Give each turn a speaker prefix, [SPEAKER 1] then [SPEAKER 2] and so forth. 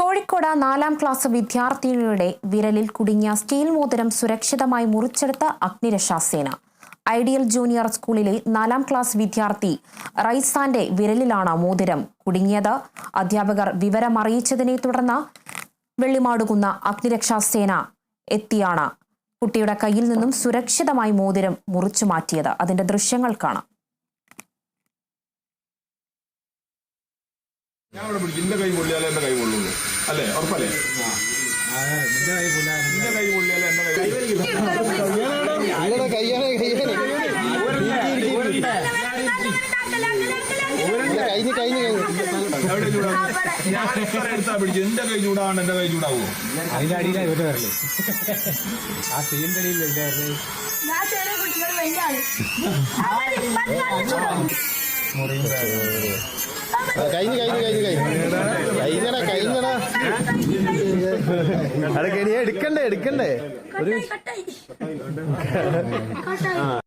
[SPEAKER 1] Kozhikode 4ാം class വിദ്യാർത്ഥിനിയുടെ വിരലിൽ കുടുങ്ങിയ steel മോതിരം സുരക്ഷിതമായി മുറിച്ചെടുത്ത അഗ്നിരക്ഷാസേന. ഐഡിയൽ ജൂനിയർ സ്കൂളിലെ 4ാം ക്ലാസ് വിദ്യാർത്ഥി റൈസാന്റെ വിരലിലാണ് മോതിരം കുടുങ്ങിയത്. അധ്യാപകർ വിവരമറിയിച്ചതിനെ തുടർന്ന് വെള്ളിമാടുകുന്ന അഗ്നിരക്ഷാസേന എത്തിയാണ് കുട്ടിയുടെ കയ്യിൽ നിന്നും സുരക്ഷിതമായി മോതിരം മുറിച്ചു മാറ്റിയത്. അതിന്റെ ദൃശ്യങ്ങൾ കാണാം.
[SPEAKER 2] ഞാൻ അവിടെ പിടിക്കും. എന്റെ കൈ പൊള്ളിയാലേ എന്റെ കൈ കൊള്ളുള്ളൂ അല്ലേ? ഉറപ്പല്ലേ? എന്റെ കൈ പൊള്ളിയാലേ എന്റെ കൈ എടുത്താ പിടിച്ചു. എന്റെ കൈ ചൂടാണ്, എന്റെ കൈ ചൂടാവോ?
[SPEAKER 3] അതിന്റെ അടിയിലാണ് ഇവരുടെ വരല്. ആ സീലിന്റെ അടിയിലല്ലേ
[SPEAKER 4] എടുക്കണ്ടേ ഒരു